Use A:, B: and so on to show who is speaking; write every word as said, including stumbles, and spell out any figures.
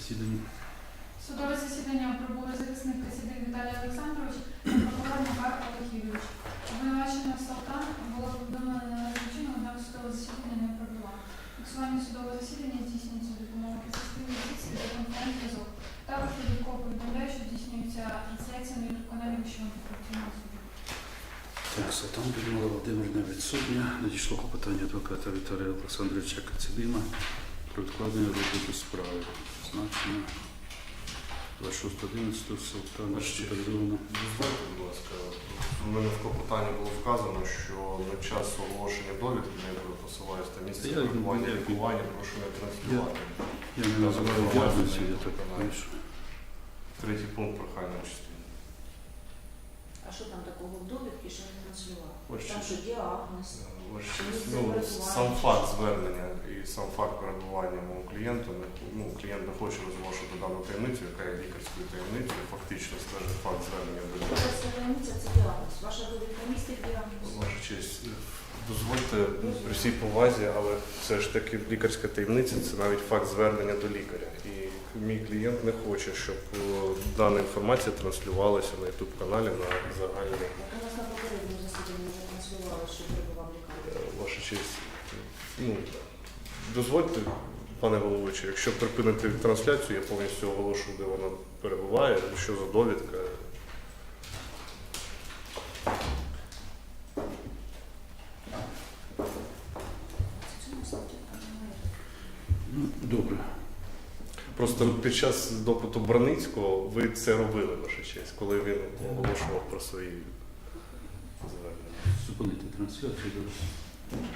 A: засіданні.
B: Судове засідання прибув захисник Касідин Віталій Олександрович та прокурор Макар Олег Юрійович. Обвинувачена Салтан була повідомлена належним чином, однак судове засідання не прибула. Фіксування судового засідання здійснюється за допомогою підсистемної юстиції та конференц-зв'язок. Також додатково повідомляє, що здійснюється трансляція на ютуб-каналі Вищого антикорупційного суду.
A: Так, Салтан Людмила Володимирівна відсутня. Надійшло клопотання адвоката Віталія Олександровича Кацидима про відкладення розгляду справи. Значено двадцять шостого одинадцятого Салтан госпіталізовано.
C: Дозвольте, будь ласка, у мене в клопотанні було вказано, що на час оголошення довідки, на яку посилаюся та місце
A: Я-
C: перебування
A: я-
C: лікування, прошу не транслювати.
A: Я не називаю діагнозів, я так пишу.
C: Третій пункт прохання частини.
D: А що там такого в довідки, що не транслював?
C: Ось
D: Там
C: що-
D: що діагноз.
C: Ваш-
D: Чи місце
C: Ну,
D: перебування?
C: сам факт звернення і сам факт перебування мого клієнта, не- ну, клієнт не хоче розголошувати дану таємницю, яка є лікарською таємницею, фактично стежить факт звернення до лікаря.
D: Лікарська таємниця – це діагноз. Ваша довідка містить діагноз?
C: Ваша честь, дозвольте при всій повазі, але все ж таки лікарська таємниця – це навіть факт звернення до лікаря. І мій клієнт не хоче, щоб о, дана інформація транслювалася на ютуб-каналі на загальний.
D: Так у нас на попередньому засіданні вже транслювали, що перебував лікар.
C: Е, Ваша честь, ну, дозвольте, пане головуючий, якщо припинити трансляцію, я повністю оголошу, де вона перебуває, що за довідка.
D: Це цьому статті там немає.
A: Ну, добре.
C: Просто під час допиту Браницького ви це робили, ваша честь, коли він оголошував про свої звернення.
A: Зупинити трансляцію. добре.